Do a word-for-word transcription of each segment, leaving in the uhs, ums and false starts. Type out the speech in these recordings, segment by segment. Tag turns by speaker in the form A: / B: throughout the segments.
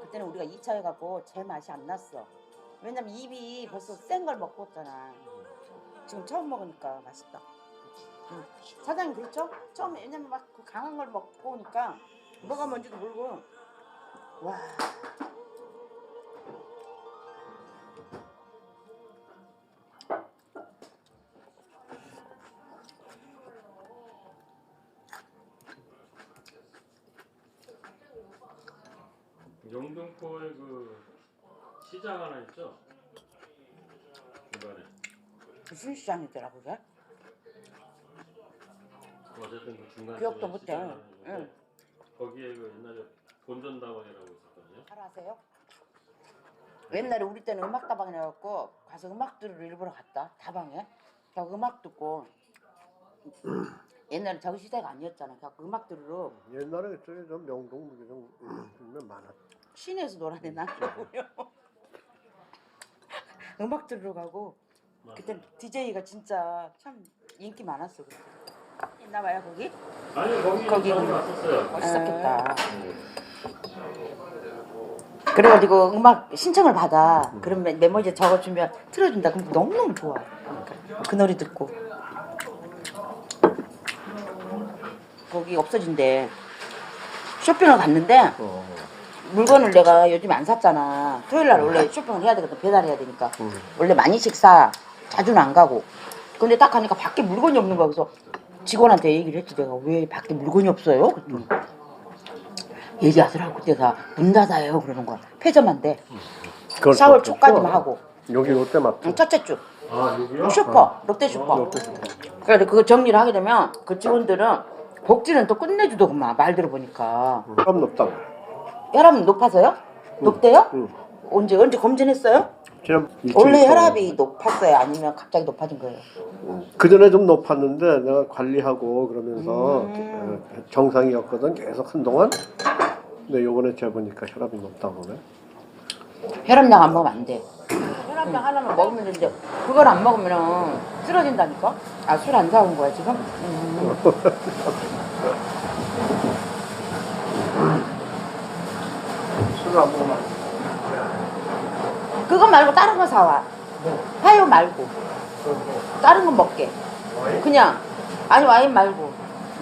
A: 그때는 우리가 이 차 해갖고 제 맛이 안 났어. 왜냐면 입이 벌써 센 걸 먹고 왔잖아. 지금 처음 먹으니까 맛있다. 응. 사장님 그렇죠? 처음에 왜냐면 막 그 강한 걸 먹고 오니까 뭐가 뭔지도 모르고 와.
B: 영등포에 그 시장 하나 있죠? 중간에.
A: 무슨 시장이더라 그게?
B: 어쨌든 그 중간에
A: 기억도 못해. 응.
B: 거기에 그 옛날에 본전다방이라고 있었거든요.
A: 잘 아세요? 옛날에 우리 때는 음악 다방이라 해갖고 가서 음악 들으러 일부러 갔다 다방에. 그 음악 듣고 옛날에 저기 시대가 아니었잖아. 그 음악 들으러
C: 옛날에 저기 좀 명동 무기좀 보면 많았.
A: 시내에서 놀아내 나고요. 음악 들으러 가고 그때 디제이가 진짜 참 인기 많았어. 그때. 있나 봐요 거기?
B: 아니 거기
A: 거기
B: 거기 왔었어요.
A: 멋있었겠다. 그래가지고 음악 신청을 받아. 그러면 메모지에 적어주면 틀어준다. 그럼 너무너무 좋아. 그러니까 그 노래 듣고 거기 없어진대. 쇼핑을 갔는데
C: 어.
A: 물건을 내가 요즘 안 샀잖아. 토요일날 원래 쇼핑을 해야 되거든. 배달해야 되니까.
C: 음.
A: 원래 많이씩 사. 자주는 안 가고. 근데 딱 가니까 밖에 물건이 없는 거야. 그래서 직원한테 얘기를 했지. 내가 왜 밖에 물건이 없어요? 그랬더니 얘기하더라고. 내가 문 닫아요. 그러는 거야. 폐점한데. 사월 초까지만 하고.
C: 여기 롯데마트.
A: 응, 첫째 주.
B: 아 여기요?
A: 슈퍼. 롯데 슈퍼.
C: 롯데슈퍼.
A: 그래서 그거 정리를 하게 되면 그 직원들은 복지는 또 끝내주더구만. 말 들어보니까.
C: 값 높다고.
A: 혈압 높아서요? 높대요?
C: 응.
A: 언제 언제 검진했어요?
C: 지난
A: 원래 혈압이 높았어요? 아니면 갑자기 높아진 거예요?
C: 그 전에 좀 높았는데 내가 관리하고 그러면서
A: 음.
C: 어, 정상이었거든 계속 한동안. 근데 요번에 재보니까 혈압이 높다고 그래.
A: 혈압약 안 먹으면 안 돼. 혈압약 하나만 먹으면 되는데 그걸 안 먹으면 쓰러진다니까? 아, 술 안 사온 거야 지금? 음.
C: 술을 안 먹으면 안 돼.
A: 그거 말고 다른 거 사와. 화요 말고 다른 거 먹게. 그냥 아니 와인 말고.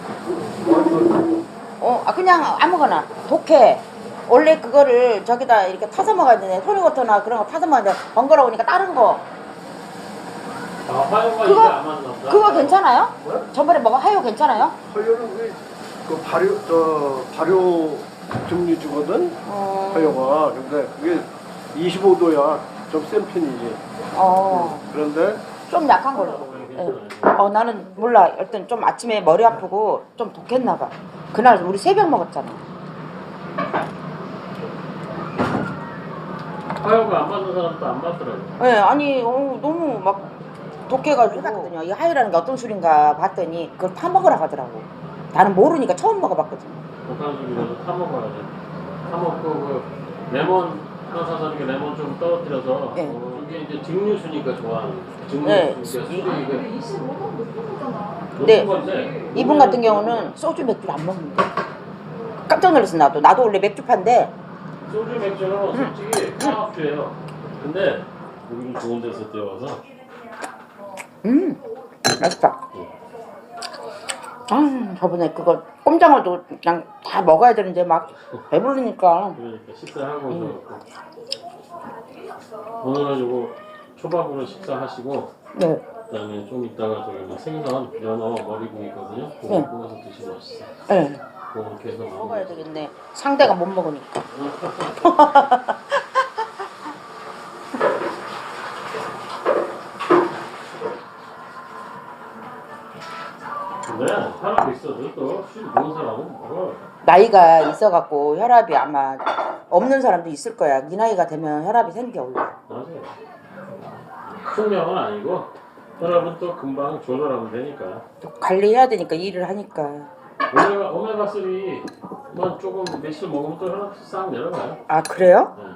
A: 어, 아, 그냥 아무거나 독해. 원래 그거를 저기다 이렇게 타서 먹어야 되네. 토니워터나 그런 거 타서 먹어야 돼. 번거로우니까 다른 거.
B: 아 화요가 이제
A: 그거
B: 안 맞나 보다.
A: 그거 괜찮아요?
C: 뭐야?
A: 저번에 먹어 하요 괜찮아요?
C: 허요는 그, 그 발효 저 발효 증류 주거든.
A: 어.
C: 허요가 근데 그게 이십오 도야. 좀 센 편이지.
A: 어.
C: 그런데
A: 좀 약한 걸로. 예. 어, 나는 몰라. 일단 좀 아침에 머리 아프고 좀 독했나 봐. 그날 우리 새벽 먹었잖아.
B: 화요가 안 맞는 사람도 안 맞더라고.
A: 예, 아니 어, 너무 막 독해가지고 해봤거든요. 이 하이라는 게 어떤 술인가 봤더니 그걸 타 먹으라 하더라고. 나는 모르니까 처음 먹어봤거든.
B: 독한 술이라도 타 먹어야 돼. 타 먹고 그 레몬 하나 사서 이렇게 레몬 좀 떨어뜨려서
A: 네.
B: 어, 이게 이제 증류수니까 좋아하는 증류수.
A: 네.
B: 그러니까 술이 이게 높은
A: 네.
B: 건데
A: 이분 같은 경우는 소주 맥주를 안 먹는데 깜짝 놀랐어. 나도 나도 원래 맥주파인데
B: 소주 맥주는 솔직히 화합주예요. 근데 여기 좀 좋은 데서 뛰어와서
A: 음 맛있다. 아, 저번에 그거 꼼장어도 그냥 다 먹어야 되는데 막 배부르니까.
B: 그러니까 식사하고
A: 음.
B: 저 오늘은 요거 초밥으로 식사하시고
A: 네.
B: 그다음에 좀 이따가 저기 뭐 생선, 연어, 머리국 있거든요. 그거
A: 네.
B: 구워서 드시면 맛있어.
A: 네.
B: 그거 이렇게 해서
A: 먹어야 되겠네. 상대가 못 먹으니까.
B: 근데 사람 있어도 또술 먹은 사람은 먹어.
A: 나이가 있어갖고 혈압이 아마 없는 사람도 있을 거야. 네 나이가 되면 혈압이 생겨 원래.
B: 맞아요. 숙명은 아니고 혈압은 또 금방 조절하면 되니까.
A: 또 관리해야 되니까 일을 하니까.
B: 오메가 오메가 삼만 조금 며칠 먹으면 또 혈압 싹 내려가요.
A: 아 그래요?
B: 네.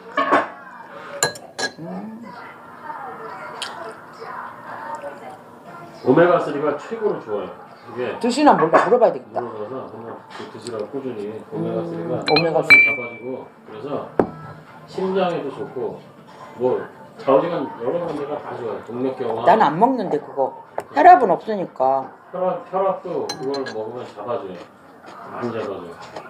A: 음.
B: 오메가 삼가 최고로 좋아요. 이게
A: 드시나 몰라 물어봐야 되겠다.
B: 물어봐서 한번 드시라고 꾸준히 오메가삼가
A: 오메가삼.
B: 잡아주고 그래서 심장에도 좋고 뭐 좌우지간 여러 군데가 다 좋아요. 동맥경화.
A: 난 안 먹는데 그거 혈압은 없으니까.
B: 혈압 혈압도 그걸 먹으면 잡아줘요. 많이 잡아줘요.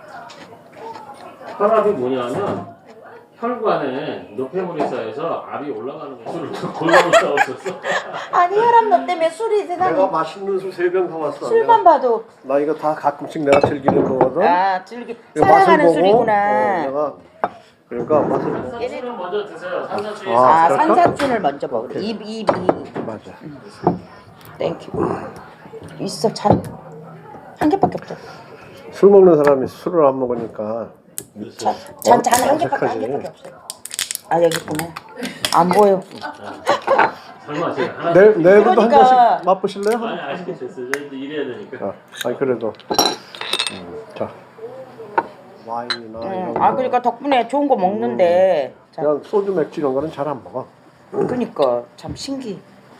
B: 혈압이 뭐냐면 혈관에 노폐물이 쌓여서 압이 올라가는 거 술을 골고루 싸웠었어.
A: 아니 혈압 너 때문에 술이
C: 내가
A: 세상에
C: 맛있는 술 세 병 사왔어.
A: 술만 봐도
C: 나 이거 다 가끔씩 내가 즐기는 거거든.
A: 아 즐기
C: 이거
A: 사랑하는
C: 보고,
A: 술이구나.
C: 어, 내가 그러니까 맛을 보고.
B: 산사춘은 먼저 드세요. 산사춘이
C: 아,
A: 아
C: 그럴까?
A: 산사춘을 먼저 먹으래.
C: 오케이.
A: 입 입이
C: 맞아.
A: 땡큐. 있어 잔 한 개밖에 없죠.
C: 술 먹는 사람이 술을 안 먹으니까
A: 잔잔 한 개밖에 한
C: 어색하지.
A: 개밖에 없어. 아 여기 있구나. 안 보여.
B: 설마 제가 하나
C: 내 내일도 한
A: 그러니까.
C: 잔씩 맛보실래요?
B: 아니 아쉽게 됐어요. 저 이제 일해야 되니까.
C: 아, 아니 그래도 음, 자 와인이나
A: 응.
C: 이런
A: 아
C: 거.
A: 그러니까 덕분에 좋은 거 먹는데. 자,
C: 그냥 소주 맥주 이런 거는 잘 안 먹어.
A: 그러니까 참 신기.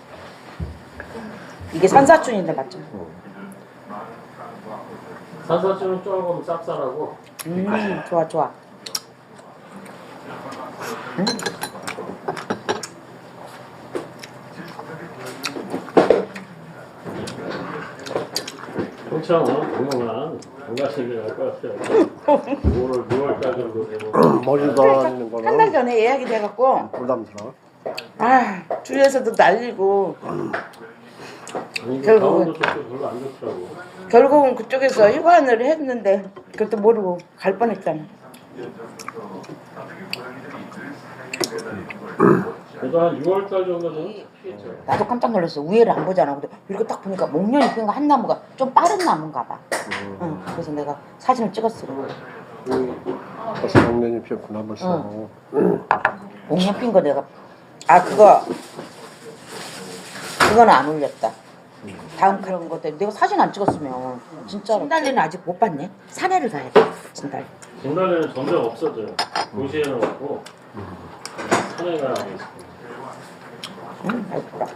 A: 이게 산사춘인데 맞죠?
B: 산사춘은 조금 쌉쌀하고
A: 음 좋아 좋아.
B: 통창 오늘 동영은 건강식이 갈것 같아요. 오월 유월달 정도 되면
C: 머리 돌아다니는
A: 한 달
C: 거는
A: 전에 예약이 돼갖고
C: 부담스러워.
A: 아 주위에서도 난리고
B: 아니 그
A: 결국은-
B: 강원도 쪽도 별로 안 좋더라고.
A: 결국은 그쪽에서 휴관을 했는데 그것도 모르고 갈 뻔했잖아.
B: 그래도 한 유월달 정도 되면 피겠죠.
A: 나도 깜짝 놀랐어. 위에를 안 보잖아. 근데 이렇게 딱 보니까 목련이 핀 거 한 나무가 좀 빠른 나무인가 봐. 응. 그래서 내가 사진을 찍었어.
C: 벌써 작년이 피었구나 벌써.
A: 목련 핀 거 내가 아 그거 그거는 안 올렸다. 다음 그런 것 때문에 내가 사진 안 찍었으면 진짜로. 진달래는 아직 못 봤네. 산에를 가야 돼. 진달래.
B: 진달래는 점점 없어져요. 도시에는 없고 산에 가야 돼.
A: 응, 예쁘다.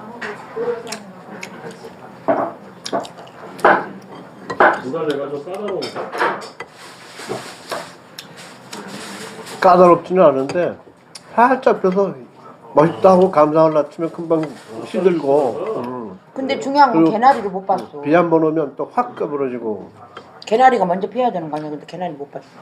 B: 진달래가 좀 까다로운가?
C: 까다롭지는 않은데 살짝 펴서 멋있다고 감상을 낮추면 금방 시들고. 음.
A: 근데 중요한 건
C: 그리고
A: 개나리를 못 봤어.
C: 비 한 번 오면 또 확 꺼부러지고.
A: 개나리가 먼저 피어야 되는 거 아니야? 근데 개나리 못 봤어.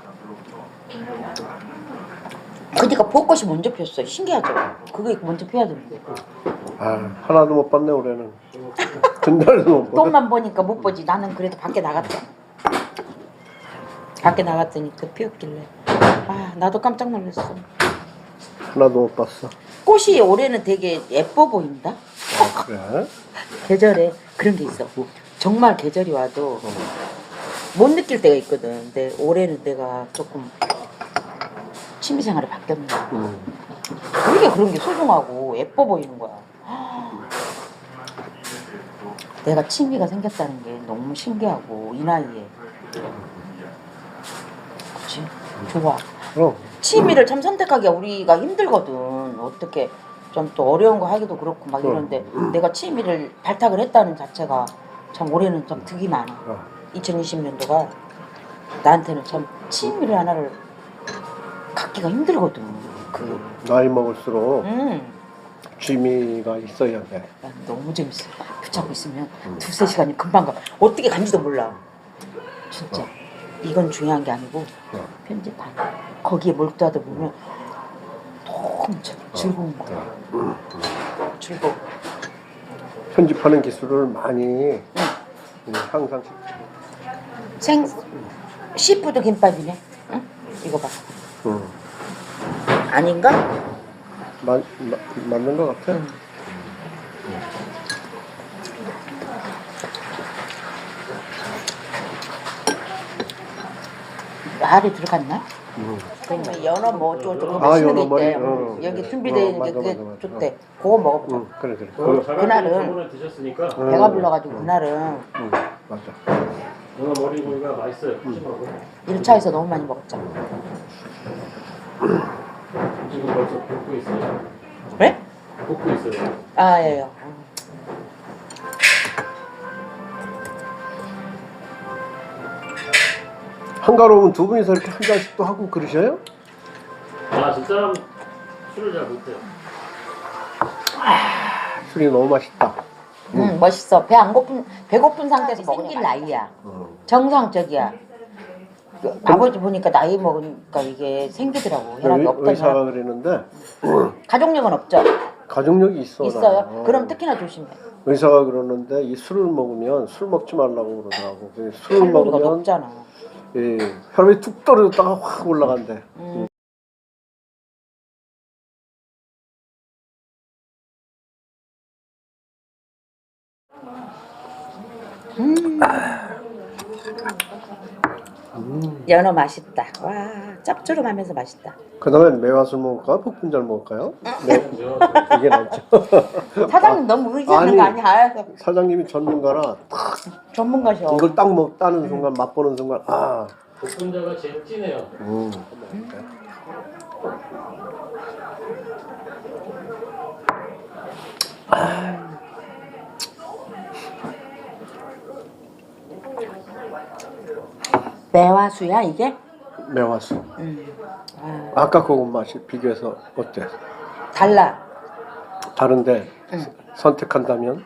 A: 그니까 벚꽃이 먼저 피었어. 신기하죠? 그게 먼저 피어야 되는데.
C: 아 하나도 못 봤네 올해는. 전날도 못 봤어.
A: 똥만 보니까 못 보지. 나는 그래도 밖에 나갔다. 밖에 나갔더니 그 피었길래. 아 나도 깜짝 놀랐어.
C: 하나도 못 봤어.
A: 꽃이 올해는 되게 예뻐 보인다.
C: 아, 그래?
A: 계절에 그런 게 있어. 정말 계절이 와도 못 느낄 때가 있거든. 근데 올해는 내가 조금 취미생활이 바뀌었네.
C: 음.
A: 되게 그런 게 소중하고 예뻐 보이는 거야. 내가 취미가 생겼다는 게 너무 신기하고 이 나이에. 그치? 좋아.
C: 그럼
A: 취미를 참 선택하기가 우리가 힘들거든. 어떻게 좀 또 어려운 거 하기도 그렇고 막 이런데 내가 취미를 발탁을 했다는 자체가 참 올해는 좀 득이 많아.
C: 어.
A: 이천이십 년도가 나한테는 참 취미를 하나를 갖기가 힘들거든. 그,
C: 나이 먹을수록
A: 음,
C: 취미가 있어야 돼.
A: 난 너무 재밌어. 붙잡고 있으면 두세 시간이 금방 가. 어떻게 간지도 몰라. 진짜. 이건 중요한 게 아니고
C: 어.
A: 편집하는 거기에 몰두하다 보면 너무 참 즐거운 거야. 즐거워.
C: 편집하는 기술을 많이 음, 항상
A: 생 시푸드 김밥이네. 응? 이거 봐.
C: 음,
A: 아닌가?
C: 마, 마, 맞는 것 같아.
A: 응. 알이 들어갔나?
C: 음.
A: 그러면 연어 뭐 어쩌고 저쩌고
C: 아,
A: 맛있는 게
C: 연어 머리,
A: 있대.
C: 어.
A: 여기 준비되어
C: 어,
A: 있는 게
C: 맞아,
A: 그게
C: 맞아, 맞아.
A: 좋대. 그거 먹어보자.
C: 음, 그래 그래.
B: 그
C: 그,
A: 그날은-
B: 저번에 드셨으니까
C: 음.
A: 배가 불러가지고 그날은
C: 음, 맞아.
B: 연어 머리 고기가 맛있어요. 푸짐하고.
A: 일 차에서 너무 많이 먹었잖아.
B: 지금 벌써 볶고 있어요.
A: 왜?
B: 볶고 있어요.
A: 아, 예, 예.
C: 한가로우면 두 분이서 이렇게 한 잔씩도 하고 그러셔요?
B: 아 진짜 술을 잘 못해요.
C: 술이 너무 맛있다.
A: 응, 멋있어. 배 안 고픈 배고픈 상태에서 먹는 나이야. 정상적이야. 그 아버지 보니까 나이 먹으니까 이게 생기더라고. 혈압이
C: 의,
A: 없던
C: 의사가
A: 사람.
C: 그랬는데
A: 가족력은 없죠?
C: 가족력이 있어.
A: 있어요?
C: 나.
A: 그럼 특히나 조심해.
C: 의사가 그러는데 이 술을 먹으면 술 먹지 말라고 그러더라고. 그 술을
A: 칼로리가
C: 먹으면
A: 높잖아.
C: 예, 혈압이 툭 떨어졌다가 확 올라간대.
A: 음. 음.
C: 음.
A: 연어 맛있다. 와, 짭조름하면서 맛있다.
C: 그다음에 매화술 먹을까요? 복분자를 먹을까요? 네, 이게 낫죠.
A: 사장님 너무 의지하는 거
C: 아니.
A: 아니야?
C: 사장님이 전문가라
A: 전문가셔.
C: 이걸 딱 먹, 따는 순간 맛보는 순간 아.
B: 복분자가 제일 진해요.
C: 음.
A: 매화수야 이게?
C: 매화술.
A: 음. 아,
C: 아까 그거 맛이 비교해서 어때?
A: 달라.
C: 다른데
A: 응.
C: 선택한다면?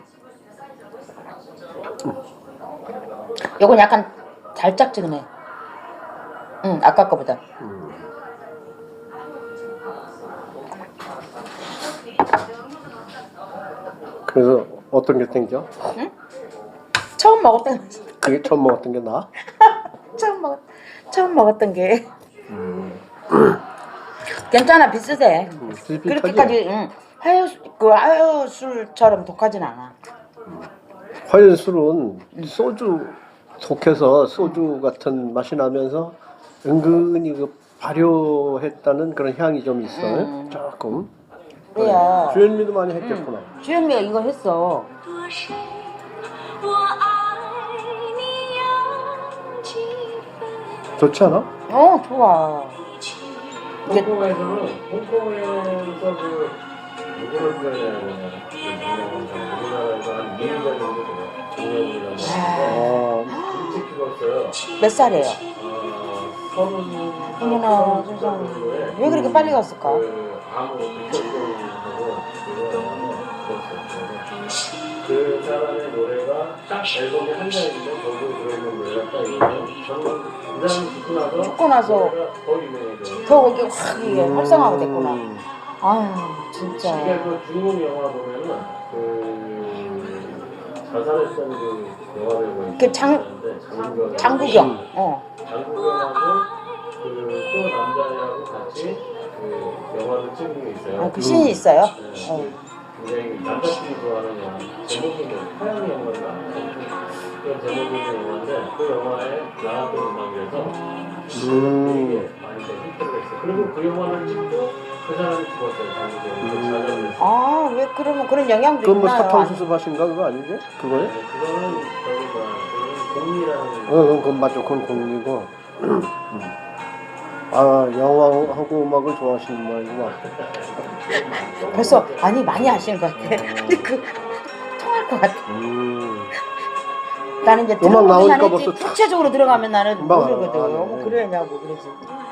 A: 요건 약간 달짝지근해. 응, 아까 거보다.
C: 음. 그래서 어떤 게 땡겨?
A: 응? 처음 먹었던
C: 그게 처음 먹었던 게 나?
A: 처음 먹 처음 먹었던 게
C: 음.
A: 괜찮아 비슷해.
C: 음, 비슷비슷하지?
A: 그렇게까지 응. 하여 그 하여술처럼 독하진 않아.
C: 화연술은 소주 독해서 소주 같은 맛이 나면서 은근히 그 발효했다는 그런 향이 좀 있어.
A: 음.
C: 조금.
A: 그래야.
C: 주현미도 많이 했겠구나.
A: 응. 주현미가 이거 했어.
C: 좋지 않아?
A: 어 좋아. 이게
B: 홍콩에서는 홍콩에서 그 누구를 표현해야 되냐 그 유명한 우리나라에서 한 이 년 정도 돼요. 공연이라고 하는데
C: 어,
B: 일찍 죽었어요.
A: 몇 살이에요?
B: 아, 서른
A: 어머나 세상에. 왜 그렇게 빨리 갔을까?
B: 그 암으로 백혈병하고 그거하고 죽었어요. 그 사람의 노래가 딱 앨범에 한 장인데 거기에 들어있는 노래가 딱 있는데 저는 그 사람이 죽고 나서
A: 죽고 나서
B: 노래가 더 유명해져요.
A: 더 이게 확 이게 활성화가 됐구나.
C: 음.
A: 아유 진짜.
B: 이게 그 중국 영화 보면은 그 자살했던 그 영화 배우가
A: 그 장-
B: 있는데
A: 장국영. 어.
B: 장국영하고 그 또 남자애하고 같이 그 영화를 찍은 게 있어요.
A: 아, 그 신이 있어요?
B: 네,
A: 어.
B: 그 굉장히 남자들이 좋아하는 영화. 제목이 뭐 태양의 영화인가? 그런 제목이 있는 영화인데 그 영화에 나왔던 음악이라서
C: 음.
B: 되게 많이 히트를 했어요. 그리고 그 영화를 찍고 그 사람이 죽었어요. 장국영이.
C: 음.
B: 자살을
A: 아 왜 그러면 그런 영향도
C: 그건 뭐
A: 있나요?
C: 사탕수수밭인가 그거 아니지? 그거에?
B: 네, 그거는 저기 뭐야 그 공리라는
C: 어, 그건, 그건 맞죠. 그건 공리고. 음. 아, 영화하고 음악을 좋아하시는 모양이구나.
A: 벌써 아니 많이 아시는 것 같아. 근데 그 통할 것 같아.
C: 음.
A: 나는 이제
C: 음악
A: 들어보기만
C: 나오니까
A: 했지
C: 벌써
A: 구체적으로 들어가면 나는
C: 금방
A: 모르거든.
C: 알아. 아, 네.
A: 뭐 그러냐고 그러지.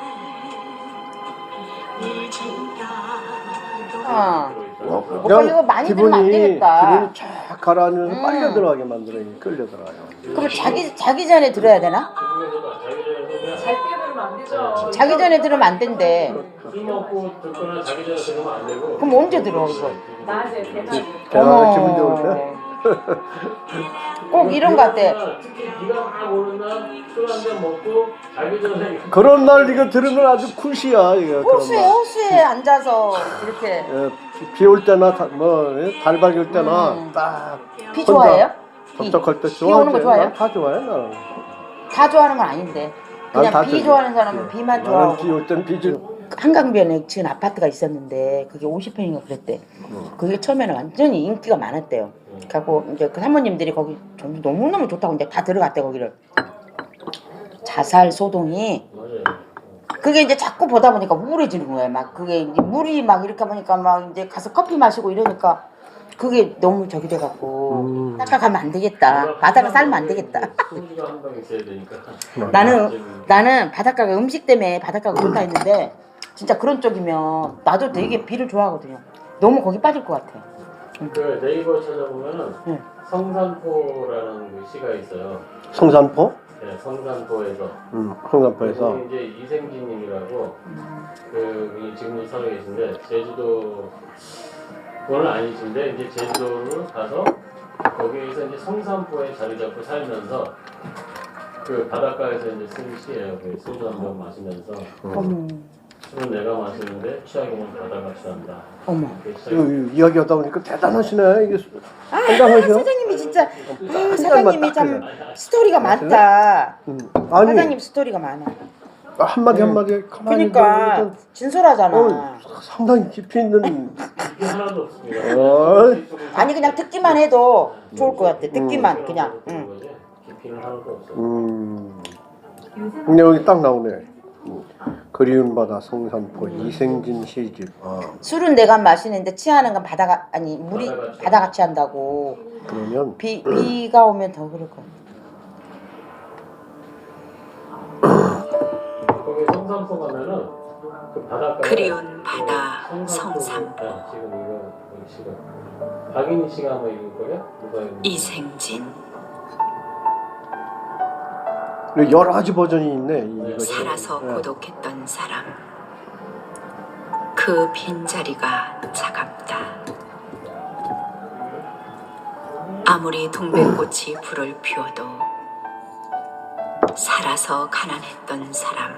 A: 아,
C: 어,
A: 오빠 이거 많이 들으면 안 되겠다.
C: 기분이 쫙 가라앉으면서
A: 음.
C: 빨려 들어가게 만들어요. 끌려 들어가요.
A: 그럼 자기 자기 전에 들어야 되나?
B: 잘 빼면 안 되죠.
A: 자기 전에 들으면 안 된대.
B: 술 먹고 듣거나 자기 전에 들으면 안 되고.
A: 그럼 언제 들어 이거?
B: 낮에 대낮에.
C: 대화가 기분 좋을 때?
A: 꼭 이런 거 같아.
B: 특히 비가 막 오는 날 술 한 잔 먹고 자기 전에
C: 그런 날 이거 들으면 아주 쿨시야. 이거
A: 호수에
C: 그런 날.
A: 호수에 앉아서 이렇게
C: 비 올 때나 다, 뭐 달박이 올 때나
A: 음.
C: 딱
A: 비 좋아해요? 비.
C: 접촉할 때
A: 비 오는 거
C: 좋아하지.
A: 좋아해요?
C: 난 다 좋아해 나는.
A: 다 좋아하는 건 아닌데
C: 난
A: 그냥
C: 다
A: 비
C: 좋아해.
A: 좋아하는 사람은 비만
C: 나는
A: 좋아하고.
C: 비 올 땐 비주.
A: 한강변에 지은 아파트가 있었는데 그게 오십 평인가 그랬대.
C: 음.
A: 그게 처음에는 완전히 인기가 많았대요. 그래갖고 이제 그 사모님들이 거기 전부 너무너무 좋다고 이제 다 들어갔대 거기를. 자살 소동이 그게 이제 자꾸 보다 보니까 우울해지는 거예요. 막 그게 이제 물이 막 이렇게 보니까 막 이제 가서 커피 마시고 이러니까 그게 너무 저기 돼갖고
C: 음.
A: 닦아가면 안 되겠다. 바닷가 살면 안 되겠다.
B: 소주가 한 방 있어야 되니까.
A: 나는 나는 바닷가가 음식 때문에 바닷가가 그렇다 했는데 진짜 그런 쪽이면 나도 되게 비를 좋아하거든요. 너무 거기 빠질 것 같아.
B: 그 네이버 찾아보면은
A: 응.
B: 성산포라는 그 시가 있어요.
C: 성산포?
B: 네, 성산포에서.
C: 음, 성산포에서.
B: 그분이 이제 이생진님이라고 그 분이 지금도 살아 계신데 제주도 그건 아니신데 이제 제주도를 가서 거기에서 이제 성산포에 자리 잡고 살면서 그 바닷가에서 이제 쓴 시예요. 그 소주 한 병 마시면서
A: 어머,
B: 술은 내가 마시는데 취하기는 바다가 취한다.
A: 어머.
B: 이렇게 시작이-
C: 이- 이야기하다 보니까 대단하시네. 이게
A: 아,
C: 한장하셔.
A: 사장님이 진짜 아, 사장님이 참 스토리가 많다.
C: 음. 아니
A: 사장님 스토리가 많아.
C: 한마디
A: 응.
C: 한마디 가만히
A: 그러니까
C: 들어보면
A: 진솔하잖아.
C: 어, 상당히 깊이 있는.
B: 이게 하나도 없습니다.
C: 어.
A: 아니 그냥 듣기만 해도 좋을 것 같아. 듣기만 그냥. 응.
B: 거지. 깊이는 하나도 없어.
C: 음. 근데 여기 딱 나오네. 음. 그리운 바다 성산포 이생진 시집. 아,
A: 술은 내가 마시는데 취하는 건 바다가 아니 물이
B: 바다가 취한다.
A: 바다가 취한다고.
C: 그러면
A: 비 비가 오면 더 그럴 거야.
B: 거기 성산포 가면은 그 바닷가
D: 그리운 바다 성산포.
B: 지금 이거 여기 시가 박인희 씨가 아마 읽을 거야? 누가 읽을
D: 이생진
C: 여러 가지 버전이 있네. 이것이.
D: 살아서
C: 네.
D: 고독했던 사람 그 빈자리가 차갑다. 아무리 동백꽃이 불을 피워도 살아서 가난했던 사람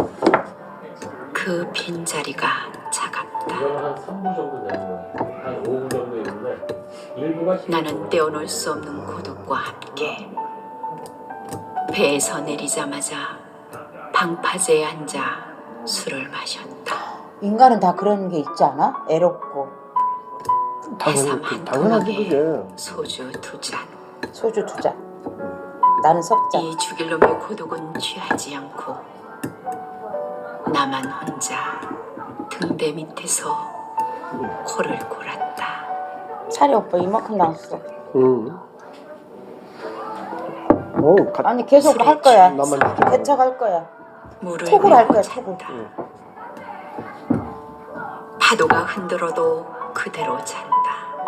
D: 그 빈자리가 차갑다.
B: 이거는 한 삼 부 정도 되는 거야. 한 오 부 정도 있는데 일부가
D: 나는 떼어놓을 수 없는 고독과 함께 배에서 내리자마자 방파제에 앉아 술을 마셨다.
A: 인간은 다 그런 게 있지 않아? 애롭고
C: 당연히
D: 해삼 한
C: 당연하지
D: 토막에
C: 그게.
D: 소주 두 잔.
A: 소주 두 잔. 나는 석 잔.
D: 이 죽일 놈의 고독은 취하지 않고 나만 혼자 등대 밑에서 코를 골았다.
A: 차리 오빠 이만큼 나왔어.
C: 응. 어, 가,
A: 아니 계속 할 거야.
C: 나만 진짜.
A: 개척할 거야.
D: 물을
A: 톡으로 할 거야.
D: 메고
A: 톡으로.
D: 잔다. 파도가 흔들어도 그대로 잔다.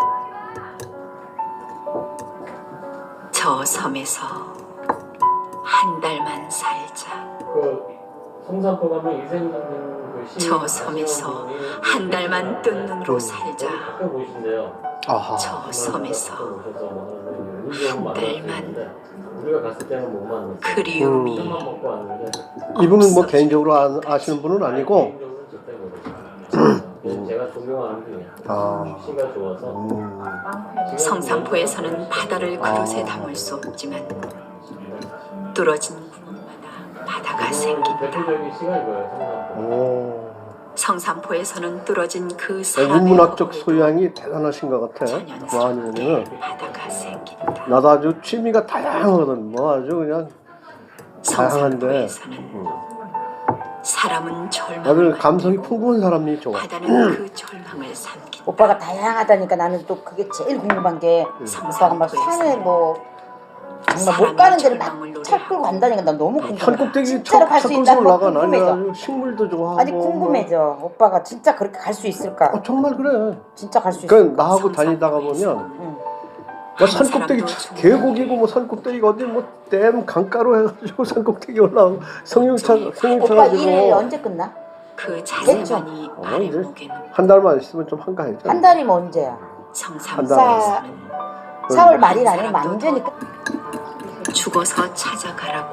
D: 저 섬에서 한 달만 살자.
B: 그 성산포 가면 이생진 그 시.
D: 저 섬에서 한 달만 뜬 눈으로 살자.
B: 가끔 보신대요.
C: 아하.
D: 저 섬에서
B: 한
D: 달만.
B: 우리가 갔을 때는 못 만났어.
D: 그리움이
B: 술만 먹고 왔는데.
C: 이분은 뭐 개인적으로 아, 아시는 분은 아니고.
B: 개인적으로는 절대 모르죠. 그냥 제가 존경하는 분이야.
C: 아.
B: 시가 좋아서.
C: 음.
D: 성산포에서는 바다를 그릇에 담을 수 없지만 뚫어진 구멍마다 바다가 생긴다.
B: 대표적인 시가 이거예요. 성산포.
C: 오.
D: 성산포에서는 뚫어진 그 사람의
C: 인문학적
D: 허물도
C: 소양이 대단하신 것 같아. 뭐 아니면은
D: 바다가 생긴다.
C: 나도 아주 취미가 다양하거든. 뭐 아주 그냥 다양한데.
D: 성산포에서는
C: 음.
D: 사람은
C: 다들
D: 절망을
C: 감성이 풍부한 사람이 좋아.
D: 바다는 그 절망을 삼킨다.
A: 오빠가 다양하다니까 나는 또 그게 제일 궁금한 게 오빠가 막 산에 뭐 정말 못 가는 데를 막 차 끌고 간다니까 난 너무 궁금해.
C: 산 꼭대기
A: 진짜로 갈 수
C: 척
A: 있다는 거
C: 올라가. 나는
A: 궁금해져.
C: 아주 식물도 좋아하고.
A: 아니 궁금해져. 오빠가 진짜 그렇게 갈 수 있을까?
C: 뭐. 어, 정말 그래.
A: 진짜 갈 수 있을까?
C: 그러니까 나하고 다니다가 보면
A: 응.
C: 뭐 산꼭대기 계곡이고 뭐 산꼭대기가 어디 뭐 댐 강가로 해가지고 산꼭대기 올라오고 성령차 성령차
A: 오빠 일
C: 가지고
A: 언제 끝나?
D: 그 자세만이
C: 어,
D: 말의
C: 이제
D: 무게는
C: 한 달만 있으면 좀 한가해져.
A: 한 달이면 언제야?
D: 성산포에서는
A: 사월 말일 아니면 완전히 끝.
D: 죽어서 찾아가라고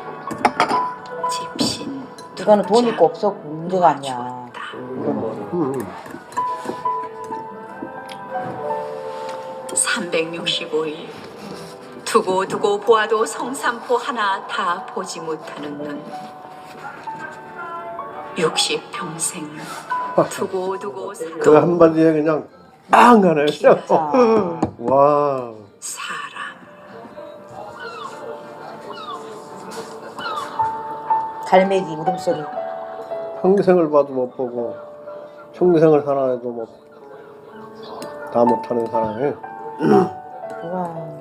D: 집신
A: 이거는 돈 있고 없어 문제가 아니야.
C: 음.
D: 삼백육십오 일 두고 두고 보아도 성산포 하나 다 보지 못하는 눈. 육십 평생 두고 두고
C: 그
D: 살도
C: 한마디에 그냥 빵 하네.
A: 진짜.
C: 와.
D: 사람.
A: 갈매기 울음소리.
C: 평생을 봐도 못 보고 평생을 살아 해도 못. 다 못하는 사람이.
A: 와.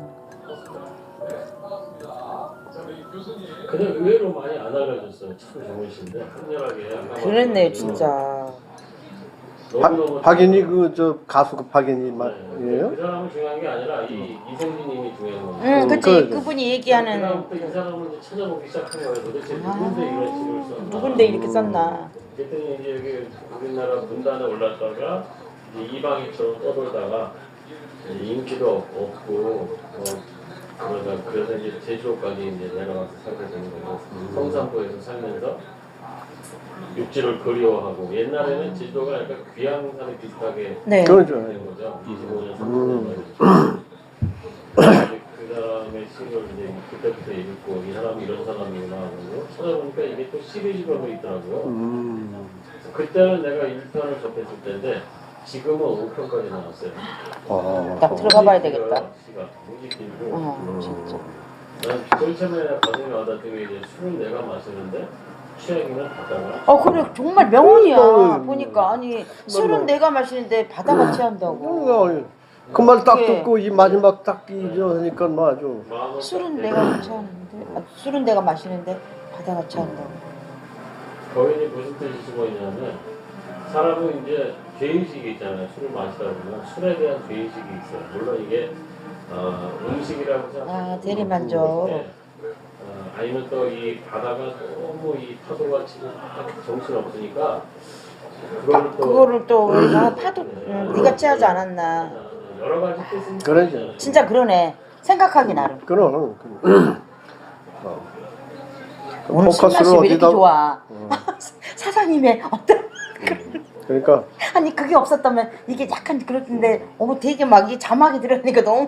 B: 근데 의외로 많이 안 알려졌어요. 참 좋으신데 한결하게 아까
A: 그랬네
B: 말씀하신
A: 진짜.
B: 너무너무
C: 박인이 그 저 가수 그 박인이
B: 네.
C: 말이에요?
B: 그 사람은 중요한 게 아니라 이 이성진님이 중요한 거예요.
A: 응, 그치.
C: 그러죠.
A: 그분이
B: 그
A: 얘기하는
B: 다음부터 이 사람을 이제 찾아보기 시작한 거예요. 도대체 누군데 이런 식을 썼나?
A: 누군데 이렇게 썼나.
B: 그랬더니 이제 여기 우리나라 문단에 올랐다가 이제 이방인처럼 떠돌다가 이제 인기도 없고 어, 그러다 그래서 이제 제주도까지 이제 내려가서 살게 되는 거고 성산포에서 살면서 육지를 그리워하고 옛날에는 제주도가 약간 귀향산에 비슷하게
A: 네.
C: 그러죠.
B: 된 거죠. 이십오 년
C: 음.
B: 그 사람의 시를 이제 그때부터 읽고 이 사람이 이런 사람이구나 하고 찾아보니까 이게 또 시리즈별로 있더라고요.
C: 음.
B: 그때는 내가 일 편을 접했을 때인데 지금은 오 편까지 나왔어요.
C: 아,
A: 딱 들어가 봐야 되겠다.
B: 시가 굉장히 길고
A: 어, 진짜.
B: 난 제일 처음에 가슴이 와닿던 게 이제 술을 내가 마시는데 취향이는 바다가
A: 어 그래 정말 명언이야.
C: 음.
A: 보니까 아니 술은 내가 마시는데 바다가 취한다고.
C: 그 말 딱
A: 그게-
C: 듣고 이 마지막 딱 이러니까 뭐 아주
B: 마음을
A: 술은
B: 딱
A: 내가 취하는데 아, 술은 내가 마시는데 바다가 취한다고.
B: 거인이 무슨 뜻이 숨어 있냐면 사람은 이제 죄의식이 있잖아요. 술을 마시다 보면 술에 대한 죄의식이 있어요. 물론 이게 어, 음식이라고 생각하고
A: 아 대리만족.
B: 네. 어, 아니면 또 이 바다가 너무 이 파도가 치고 정신 없으니까 그거를 또
A: 그거를 또 우리가 파도 음, 네가 취하지 않았나.
B: 여러 가지 뜻은
C: 그러죠.
B: 있잖아요.
A: 진짜 그러네. 생각하기 나름.
C: 그럼 그- 어. 그
A: 오늘
C: 포커스를
A: 술맛이 왜 이렇게
C: 어디다
A: 좋아? 사장님의 어떤
C: 그러니까
A: 아니 그게 없었다면 이게 약간 그렇던데 어머 되게 막 이 자막이 들어가니까 너무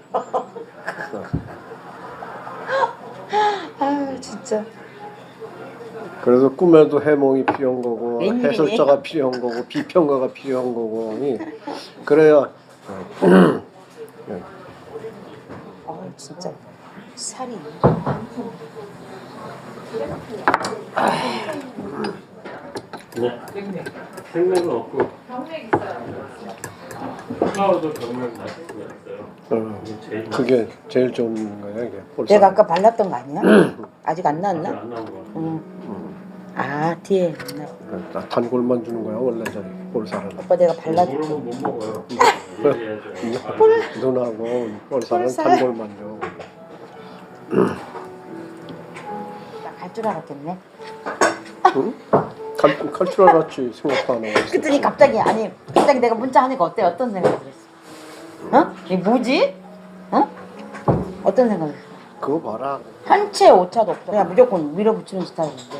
A: 아 진짜
C: 그래서 꿈에도 해몽이 필요한 거고
A: 웬일이니?
C: 해설자가 필요한 거고 비평가가 필요한 거고 이 그래야
A: 어 진짜 살이
B: 네. 생맥은 없고 병맥 있어요. 카카오도 병맥 맛있어요.
C: 어,
B: 이게 제일
C: 그게 제일 좋은 거야 이게 볼살.
A: 내가 아까 발랐던 거 아니야? 아직 안
B: 맛있어요.
A: 나왔나?
B: 안 나온 거 같아요.
A: 응. 아 뒤에 있나?
C: 나 단골만 주는 거야 원래 저기 볼살은.
A: 오빠 내가 발라줄게.
B: 모르면 못 먹어요. 얘기해야죠. 아,
C: 누나하고 볼살은
A: 볼살?
C: 단골만 줘.
A: 갈 줄 알았겠네.
C: 응? 갈, 갈 줄 알았지 생각도 안 하고 있어.
A: 그랬더니 갑자기 아니 갑자기 내가 문자 하니까 어때? 어떤 생각이 들었어? 어? 이게 뭐지? 어? 어떤 생각이 들었어?
C: 그거 봐라.
A: 한 채 오차도 없어. 그냥 무조건 밀어붙이는 스타일인데.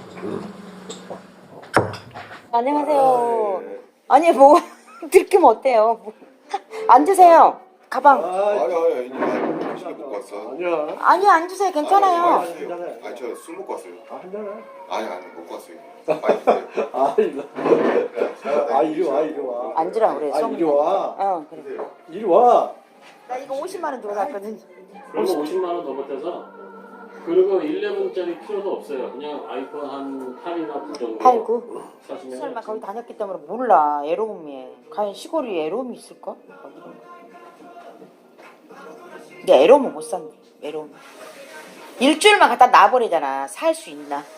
A: 안녕하세요. 아니 뭐 들키면 어때요? 뭐. 앉으세요. 가방.
E: 아니 아니 아니 당신이 먹고 왔어.
C: 아니야.
A: 아니 앉으세요. 괜찮아요.
E: 아니 저 술 먹고 왔어요.
C: 아 한잔해.
E: 아니 아니 먹고 왔어요. 빨리 드세요.
C: 아 이리 와. 아 이리 와 이리 와.
A: 앉으라 그래.
C: 아 이리 와.
A: 어 그래.
C: 이리 와.
A: 나 이거 오십만 원 주고 샀거든.
B: 그리고 오십만 원 더 보태서 그리고 십일짜리 필요도 없어요. 그냥 아이폰 한 팔이나 구 정도
A: 팔, 구?
B: 사시면
A: 설마 거기 다녔기 때문에 몰라. 애로움이. 과연 시골이 애로움이 있을까? 근데 애로움은 못 산대. 애로움. 일주일만 갖다 놔버리잖아. 살 수 있나?